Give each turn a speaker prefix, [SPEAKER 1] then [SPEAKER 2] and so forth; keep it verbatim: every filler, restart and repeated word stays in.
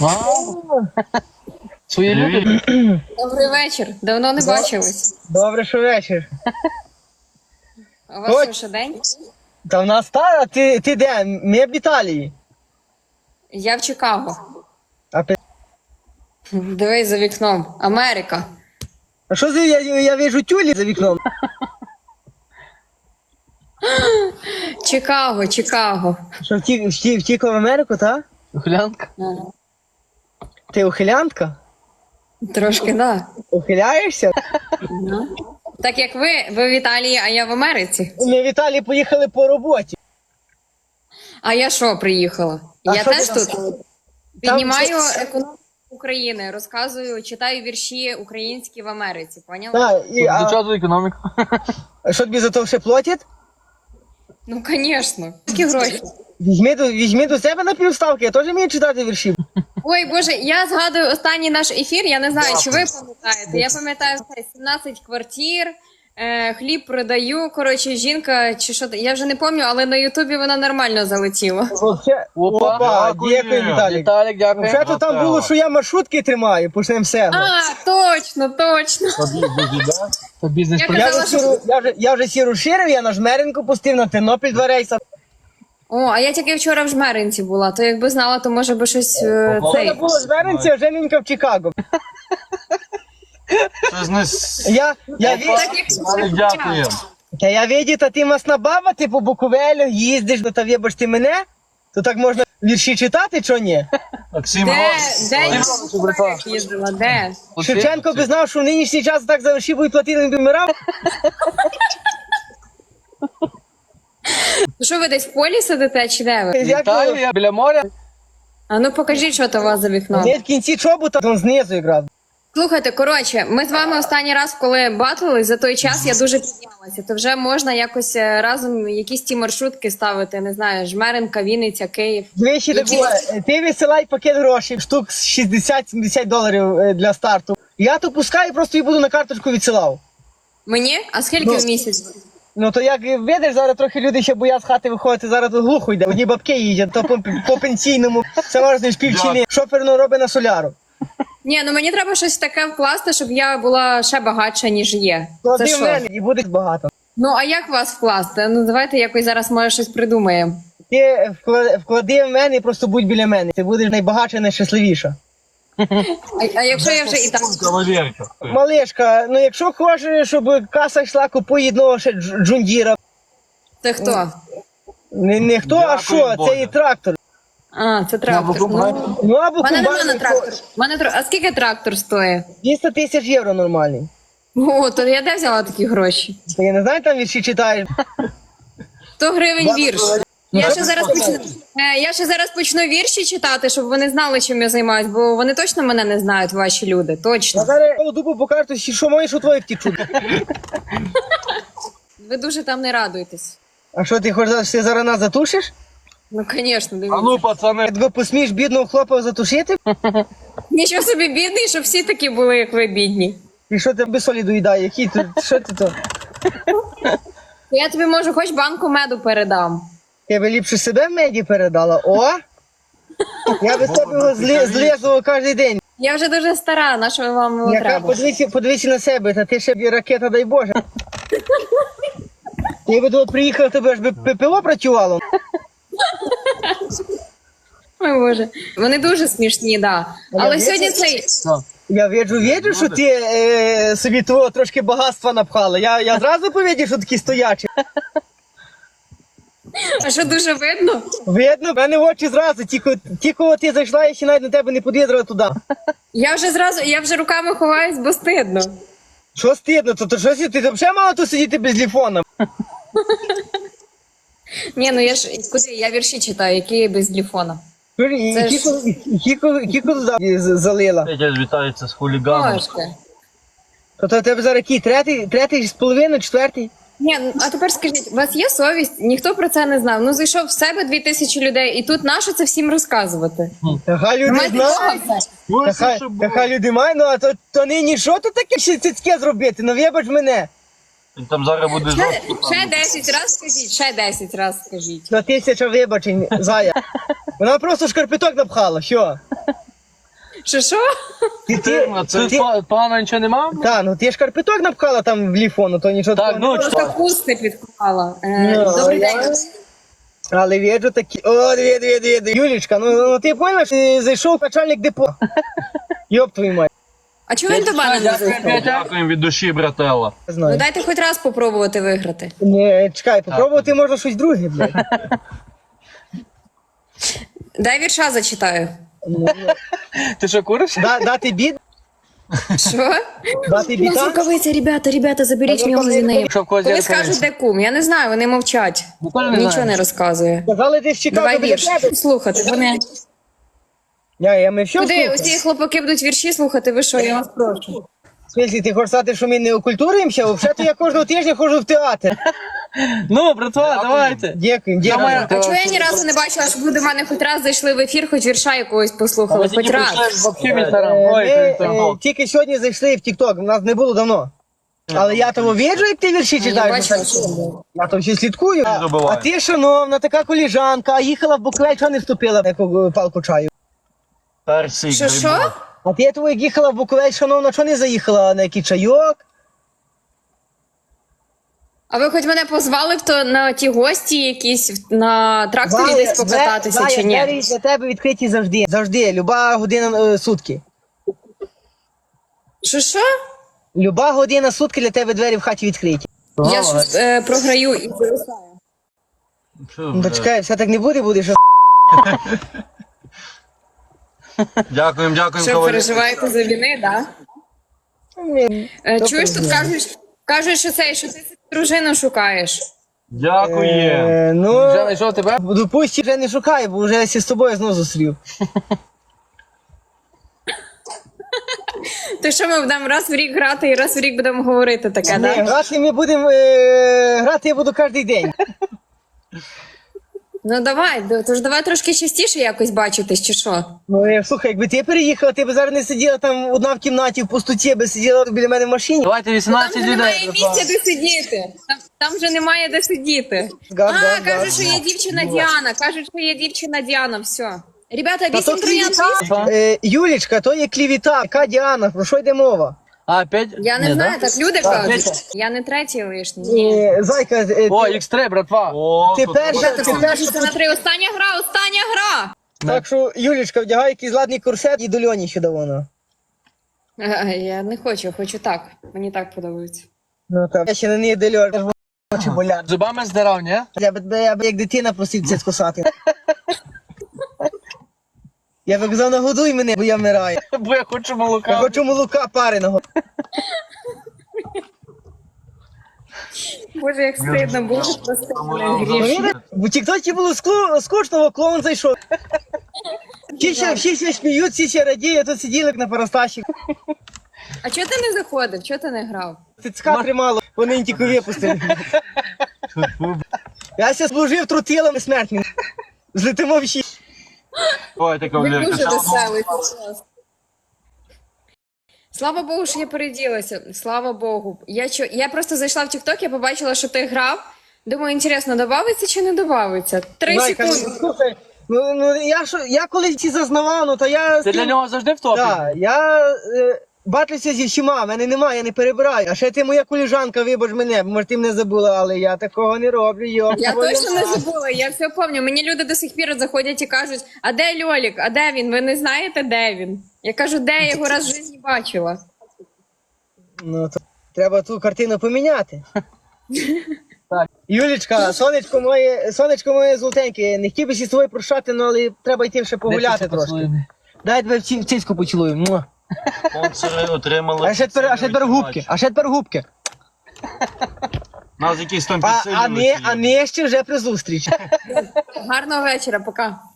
[SPEAKER 1] Свої люди.
[SPEAKER 2] Добрий вечір. Давно не бачились.
[SPEAKER 3] Добре, що вечір.
[SPEAKER 2] А у вас що, день?
[SPEAKER 3] Та в нас та, а ти, ти де? Ми в Італії.
[SPEAKER 2] Я в Чикаго.
[SPEAKER 3] А, пи-
[SPEAKER 2] Дивись за вікном. Америка.
[SPEAKER 3] а що за я, я вижу тюлі за вікном?
[SPEAKER 2] Чикаго, Чикаго.
[SPEAKER 3] Що втік, втік, втікла в Америку, та?
[SPEAKER 1] Ухилянка.
[SPEAKER 2] Ага.
[SPEAKER 3] Ти ухилянтка?
[SPEAKER 2] Трошки, да.
[SPEAKER 3] Ухиляєшся?
[SPEAKER 2] Ну. Так як ви, ви в Італії, а я в Америці.
[SPEAKER 3] Ми в Італії поїхали по роботі.
[SPEAKER 2] А я що приїхала?
[SPEAKER 3] А
[SPEAKER 2] я
[SPEAKER 3] що
[SPEAKER 2] теж
[SPEAKER 3] ти
[SPEAKER 2] тут
[SPEAKER 3] там?
[SPEAKER 2] піднімаю
[SPEAKER 3] Там-
[SPEAKER 2] економіку України, розказую, читаю вірші українські в Америці, поняла?
[SPEAKER 3] Та, і,
[SPEAKER 1] До
[SPEAKER 3] а,
[SPEAKER 1] чого економіка?
[SPEAKER 3] а що тобі за то ще платять?
[SPEAKER 2] Ну, звісно. Які гроші?
[SPEAKER 3] Візьми до, візьми до себе на півставки, я теж вмію читати вірші.
[SPEAKER 2] Ой, Боже, я згадую останній наш ефір, я не знаю, чи ви пам'ятаєте. Я пам'ятаю все, сімнадцять квартир, е, хліб продаю, коротше, жінка, чи що, я вже не пам'ятаю, але на Ютубі вона нормально залетіла.
[SPEAKER 3] Вообще,
[SPEAKER 1] Опа.
[SPEAKER 3] опа, дякую, Віталік.
[SPEAKER 1] Віталік, дякую.
[SPEAKER 3] Вже то там було, що я маршрутки тримаю, почнемо з себе.
[SPEAKER 2] А, точно, точно.
[SPEAKER 1] Це бізнес.
[SPEAKER 2] Я
[SPEAKER 3] Я
[SPEAKER 2] казала,
[SPEAKER 3] вже, сіру, я, вже, я вже сіру ширив, я на Жмеринку пустив, на Тернопіль два рейса.
[SPEAKER 2] О, а я тільки вчора в Жмеринці була, то якби знала, то може би щось е,
[SPEAKER 3] Це
[SPEAKER 2] цей.
[SPEAKER 3] було в Жмеринці, а Жененька в Чикаго.
[SPEAKER 1] Це знес.
[SPEAKER 3] Я, я, ві...
[SPEAKER 2] Так, як
[SPEAKER 1] Віталік, дякую.
[SPEAKER 3] Та я віді, та ти масна баба, ти по Буковелю їздиш, ну та вибачте мене, то так можна вірші читати, чо ні?
[SPEAKER 1] Максим
[SPEAKER 2] Де,
[SPEAKER 1] Рос.
[SPEAKER 2] де я в їздила, де?
[SPEAKER 3] Шевченко би знав, що в нинішній час так за вірші будуть платити, він би вмирав.
[SPEAKER 2] Ну що ви десь в полі сидите, чи де ви?
[SPEAKER 3] Як
[SPEAKER 1] Італія, біля моря.
[SPEAKER 2] А ну покажіть, що то у вас за вікном.
[SPEAKER 3] не в кінці чобота, то знизу якраз.
[SPEAKER 2] Слухайте, коротше, ми з вами останній раз, коли батлили, за той час я дуже піднялася. То вже можна якось е, разом якісь ті маршрутки ставити, не знаю, Жмеринка, Вінниця, Київ.
[SPEAKER 3] Двічі так було. Ти висилай пакет грошей, штук шістдесят-сімдесят доларів е, для старту. Я то пускаю і просто її буду на карточку відсилав.
[SPEAKER 2] Мені? А скільки
[SPEAKER 3] Ну.
[SPEAKER 2] в місяць?
[SPEAKER 3] Ну то як видиш, зараз трохи люди ще боять з хати виходити, зараз тут глухо йде. Одні бабки їздять, то по, по пенсійному, це можна шпівчини. Шофер ну, робить на соляру.
[SPEAKER 2] Ні, ну мені треба щось таке вкласти, щоб я була ще багатша, ніж є. Це
[SPEAKER 3] Клади в
[SPEAKER 2] що?
[SPEAKER 3] мене і буде багато.
[SPEAKER 2] Ну, а як вас вкласти? Ну, давайте якось зараз, може, щось придумаємо.
[SPEAKER 3] Ти вклади, вклади в мене і просто будь біля мене. Ти будеш найбагатша, найщасливіша.
[SPEAKER 2] А, а якщо я вже і так...
[SPEAKER 1] Кавалерка.
[SPEAKER 3] Малишка, ну якщо хочеш, щоб каса йшла, купуй одного ще дж- джундіра.
[SPEAKER 2] Це хто?
[SPEAKER 3] Не, не хто, а
[SPEAKER 1] Дякую,
[SPEAKER 3] що,
[SPEAKER 1] Боже.
[SPEAKER 3] це і трактор.
[SPEAKER 2] А, це трактор. Ну,
[SPEAKER 3] Ну або
[SPEAKER 2] у мене нема на
[SPEAKER 3] комбайн,
[SPEAKER 2] трактор. У мене тр- А скільки трактор стоїть?
[SPEAKER 3] двісті тисяч євро нормальний.
[SPEAKER 2] О, то я де взяла такі гроші?
[SPEAKER 3] Та я не знаю, там вірші читаєш.
[SPEAKER 2] сто гривень вірш. Я
[SPEAKER 3] що
[SPEAKER 2] ще зараз
[SPEAKER 3] ти
[SPEAKER 2] почну. е, Я ще зараз почну вірші читати, щоб вони знали, чим я займаюсь, бо вони точно мене не знають, ваші люди.
[SPEAKER 3] Я
[SPEAKER 2] Точно.
[SPEAKER 3] зараз дубу покажу, що маєш у твоїх тічу.
[SPEAKER 2] Ви дуже там не радуєтесь.
[SPEAKER 3] А що ти хочеш, сказати, що ти зараз нас затушиш?
[SPEAKER 2] Ну, звісно,
[SPEAKER 1] А
[SPEAKER 2] дивіться.
[SPEAKER 1] ну, пацани.
[SPEAKER 3] Тебе посмієш бідного хлопа затушити?
[SPEAKER 2] Нічого собі бідний, щоб всі такі були, як ви бідні.
[SPEAKER 3] І що ти без солі доїдає? Які ти, що ти то?
[SPEAKER 2] Я тобі можу хоч банку меду передам.
[SPEAKER 3] Я би ліпше себе в меді передала. О! Я би з тебе його зли, злизував кожен день.
[SPEAKER 2] Я вже дуже стара, на що вам його
[SPEAKER 3] Яка,
[SPEAKER 2] треба?
[SPEAKER 3] подивися, подивися на себе, та ти ще б ракета, дай Боже. Я би тут приїхав, тебе ж би ППО працювало.
[SPEAKER 2] Ой, Боже. Вони дуже смішні, да. Але
[SPEAKER 3] я
[SPEAKER 2] сьогодні
[SPEAKER 3] бачу.
[SPEAKER 2] цей.
[SPEAKER 3] Я віджу, віджу, що ти е, собі того трошки багатства напхала. Я, я зразу повідів, що такі стоячі.
[SPEAKER 2] А що дуже видно?
[SPEAKER 3] Видно, в мене в очі зразу, тільки, тільки от ти зайшла, я ще навіть на тебе не подвідала туди.
[SPEAKER 2] Я вже зразу, я вже руками ховаюсь, бо стидно.
[SPEAKER 3] Що стидно, то, то що ти, ти взагалі мала тут сидіти без телефона?
[SPEAKER 2] Ні, ну я ж куди? Я вірші читаю, які є без телефона.
[SPEAKER 3] І
[SPEAKER 2] Це ж-
[SPEAKER 3] Кіко, і Кіко, Кіко туди з- залила.
[SPEAKER 1] Петя вітається з хуліганом.
[SPEAKER 2] Трошки.
[SPEAKER 3] То, то в тебе зараз який? Третій, третій з половиною, четвертий?
[SPEAKER 2] Ні, ну, а тепер скажіть, у вас є совість? Нихто про це не знав. Ну зайшов в себе дві тисячі людей, і тут нащо це всім розказувати?
[SPEAKER 3] Та хай люди
[SPEAKER 2] Маєте
[SPEAKER 3] знають.
[SPEAKER 2] совість?
[SPEAKER 3] Та хай, та хай люди мають, ну а то, то нині що тут таке ще цицьке зробити? Ну вибач мене.
[SPEAKER 1] Він там зараз буде
[SPEAKER 2] Ще,
[SPEAKER 1] жорстко.
[SPEAKER 2] ще десять разів скажіть, ще десять разів скажіть.
[SPEAKER 3] То тисяча вибачень, зая. Вона просто шкарпеток напхала, що?
[SPEAKER 2] Що що?
[SPEAKER 3] Ти, ти,
[SPEAKER 1] Ну, це
[SPEAKER 3] ти,
[SPEAKER 1] па- погано нічого нема?
[SPEAKER 3] та, ну ти ж карпеток напхала там в ліфону, то нічого
[SPEAKER 1] Так,
[SPEAKER 3] такого
[SPEAKER 1] ну,
[SPEAKER 3] не
[SPEAKER 1] що?
[SPEAKER 3] було.
[SPEAKER 2] Просто хусти підклала. Е,
[SPEAKER 3] Ну,
[SPEAKER 2] Добрий
[SPEAKER 3] я-
[SPEAKER 2] день.
[SPEAKER 3] Але віджу такі, о, дві, дві, дві, дві. Юлічка, ну, ну ти поняла, що ти зайшов начальник депо. Йоп твою мать,
[SPEAKER 2] А чого він до мене не зайшов?
[SPEAKER 1] Дякуємо від душі, брателла.
[SPEAKER 3] не
[SPEAKER 2] Ну
[SPEAKER 3] знаю.
[SPEAKER 2] дайте хоч раз попробувати виграти.
[SPEAKER 3] Не, чекай, попробувати можна щось друге, блядь.
[SPEAKER 2] Дай вірша зачитаю.
[SPEAKER 1] Ти що, куриш?
[SPEAKER 3] Да, дати бід,
[SPEAKER 2] Що?
[SPEAKER 3] дати
[SPEAKER 2] У нас
[SPEAKER 3] біта.
[SPEAKER 2] рукавиця, ребята, ребята, заберіть в нього з нею.
[SPEAKER 1] Що в когось
[SPEAKER 2] Коли
[SPEAKER 1] зірка
[SPEAKER 2] скажуть, де кум, я не знаю, вони мовчать.
[SPEAKER 1] Ніколи не
[SPEAKER 2] Нічого
[SPEAKER 1] знаю.
[SPEAKER 2] не розказує.
[SPEAKER 3] Казали, ти ж чекав
[SPEAKER 2] Давай
[SPEAKER 3] біля
[SPEAKER 2] вірш.
[SPEAKER 3] тебе.
[SPEAKER 2] Слухати. Вони...
[SPEAKER 3] Я, я ми все
[SPEAKER 2] Куди
[SPEAKER 3] слухаємо.
[SPEAKER 2] усі хлопаки будуть вірші слухати, ви що, я вас прошу.
[SPEAKER 3] В смислі, ти хочеш сказати, що ми не окультуримося? Взагалі, я кожного тижня ходжу в театр.
[SPEAKER 1] Ну, братва, давайте.
[SPEAKER 3] Дякую, дякую.
[SPEAKER 1] Давай.
[SPEAKER 2] А чого я ні разу не бачила, щоб ви до мене хоч раз зайшли в ефір, хоч вірша якогось послухали, хоч раз.
[SPEAKER 1] Взагалі в інстаграм.
[SPEAKER 3] Е,
[SPEAKER 1] Ой,
[SPEAKER 3] Ми
[SPEAKER 1] це
[SPEAKER 3] е,
[SPEAKER 1] інстаграм.
[SPEAKER 3] тільки сьогодні зайшли в Тік-Ток, у нас не було давно. Але я того віджу, як ти вірші
[SPEAKER 2] Я
[SPEAKER 3] читаєш.
[SPEAKER 2] бачила, що було.
[SPEAKER 3] Я то ще слідкую. А,
[SPEAKER 1] забуваю.
[SPEAKER 3] а ти, шановна, така коліжанка, а їхала в Буковель, чого не вступила в яку е, палку чаю?
[SPEAKER 1] Персик,
[SPEAKER 2] Що,
[SPEAKER 1] дай
[SPEAKER 2] що?
[SPEAKER 1] Бог.
[SPEAKER 3] А ти того, як їхала в Буковель, шановна, чого не заїхала на який чайок?
[SPEAKER 2] А ви хоч мене позвали б то на ті гості якісь, на тракторі
[SPEAKER 3] Зая,
[SPEAKER 2] десь покататися
[SPEAKER 3] Зая,
[SPEAKER 2] чи ні?
[SPEAKER 3] двері для тебе відкриті завжди. Завжди, люба година е, сутки.
[SPEAKER 2] Що, що?
[SPEAKER 3] Люба година сутки для тебе двері в хаті відкриті.
[SPEAKER 2] Я ж е, програю і виростаю.
[SPEAKER 1] Що,
[SPEAKER 3] Ну,
[SPEAKER 1] бля.
[SPEAKER 3] то чекай, все так не буде, будеш.
[SPEAKER 1] Дякуємо, дякуємо,
[SPEAKER 2] Що,
[SPEAKER 1] кавалер.
[SPEAKER 2] переживаєте за війни, так? Е, чуєш, тут кажуть, кажуть, що це, що ти собі дружину шукаєш.
[SPEAKER 1] Дякуємо.
[SPEAKER 3] Е, ну,
[SPEAKER 1] Вже знайшов тебе?
[SPEAKER 3] допустим, вже не шукай, бо вже я з тобою знову зустрів.
[SPEAKER 2] То що ми будемо раз в рік грати і раз в рік будемо говорити таке,
[SPEAKER 3] Ні,
[SPEAKER 2] так?
[SPEAKER 3] грати ми будемо, е, грати я буду кожен день.
[SPEAKER 2] Ну давай, д- тож давай трошки частіше якось бачитись, чи що?
[SPEAKER 3] Ну, е, слухай, якби ти переїхала, ти б зараз не сиділа там одна в кімнаті в пустоті, би сиділа біля мене в машині.
[SPEAKER 1] Давайте
[SPEAKER 2] Там
[SPEAKER 1] вісімнадцять
[SPEAKER 2] вже немає
[SPEAKER 1] людей.
[SPEAKER 2] місця, де сидіти. Там, там вже немає де сидіти.
[SPEAKER 3] Газ,
[SPEAKER 2] А,
[SPEAKER 3] газ,
[SPEAKER 2] кажуть,
[SPEAKER 3] газ.
[SPEAKER 2] що є дівчина Діана. Кажуть, що є дівчина Діана. Все. Ребята,
[SPEAKER 3] Та
[SPEAKER 2] вісім
[SPEAKER 3] то
[SPEAKER 2] троян.
[SPEAKER 3] клівіта. Е, Юлічка, то є клівіта. Яка Діана? Про що йде мова?
[SPEAKER 1] А, п'ять?
[SPEAKER 2] Я не
[SPEAKER 1] Ні,
[SPEAKER 2] знаю,
[SPEAKER 1] да?
[SPEAKER 2] так люди
[SPEAKER 3] Так,
[SPEAKER 2] кажуть.
[SPEAKER 3] Петя.
[SPEAKER 2] Я не третій лишній. Ні.
[SPEAKER 3] Е, Зайка, е,
[SPEAKER 1] О,
[SPEAKER 3] ти,
[SPEAKER 1] ікс три, братва. О,
[SPEAKER 3] ти
[SPEAKER 1] тут
[SPEAKER 3] перша,
[SPEAKER 1] треба.
[SPEAKER 3] ти перша.
[SPEAKER 2] Це на три. Остання гра, остання гра.
[SPEAKER 3] Так що, Юлічка, вдягай якийсь ладний корсет і до Льоні ще давно.
[SPEAKER 2] Е, Я не хочу, хочу так. Мені так подобається.
[SPEAKER 3] Ну так. Я ще на неї дельор, аж очі болять.
[SPEAKER 1] Зубами здирав, ні?
[SPEAKER 3] Я б, я б як дитина просив це скосати. Я б казав, нагодуй мене, бо я вмираю.
[SPEAKER 1] Бо я хочу
[SPEAKER 3] Я
[SPEAKER 1] молока.
[SPEAKER 3] хочу молока пареного.
[SPEAKER 2] Боже, як стидно було просто мене гріш.
[SPEAKER 3] В тіктоці було скло- скучно, клоун зайшов. Всі ще, всі ще сміють, всі ще радіють, а тут сиділи як на парасташі.
[SPEAKER 2] А чого ти не заходив? Чого ти не грав?
[SPEAKER 3] Тицька тримало, вони тільки випустили. Я ся служив трутилами смертними. Злетимо всі.
[SPEAKER 1] Давайте,
[SPEAKER 2] Ви
[SPEAKER 1] кавалерка.
[SPEAKER 2] дуже
[SPEAKER 1] Слава Богу.
[SPEAKER 2] веселий зараз. Слава Богу, що я переділася. Слава Богу. Я, чо... я просто зайшла в TikTok, я побачила, що ти грав. Думаю, інтересно, добавиться чи не добавиться? Три
[SPEAKER 3] Майка, ну,
[SPEAKER 2] секунди.
[SPEAKER 3] слухай, ну, ну я, що, я колись ці зазнавав, ну то я...
[SPEAKER 1] Ти для нього завжди в топі?
[SPEAKER 3] Так, я е, батлюся зі всіма, мене немає, я не перебираю. А ще ти моя коліжанка, вибач мене, може ти мене забула, але я такого не роблю, йо.
[SPEAKER 2] Я точно не забула, я все пам'ятаю. Мені люди до сих пір заходять і кажуть, а де Льолік, а де він? Ви не знаєте, де він? Я кажу, де я його раз в житті бачила.
[SPEAKER 3] Ну, то треба ту картину поміняти. Так. Юлічка, сонечко моє, сонечко моє золотеньке, не хотів би зі тобою прощати, ну, але треба йти ще погуляти трошки. Дай тебе в ці- в цицьку поцілую. Муа.
[SPEAKER 1] Спонсори отримали.
[SPEAKER 3] А ще тепер, а ще тепер губки, а ще тепер губки.
[SPEAKER 1] Нас якісь там
[SPEAKER 3] А,
[SPEAKER 1] підсилювачі
[SPEAKER 3] а, не,
[SPEAKER 1] є.
[SPEAKER 3] а не ще вже при зустрічі.
[SPEAKER 2] Гарного вечора, пока.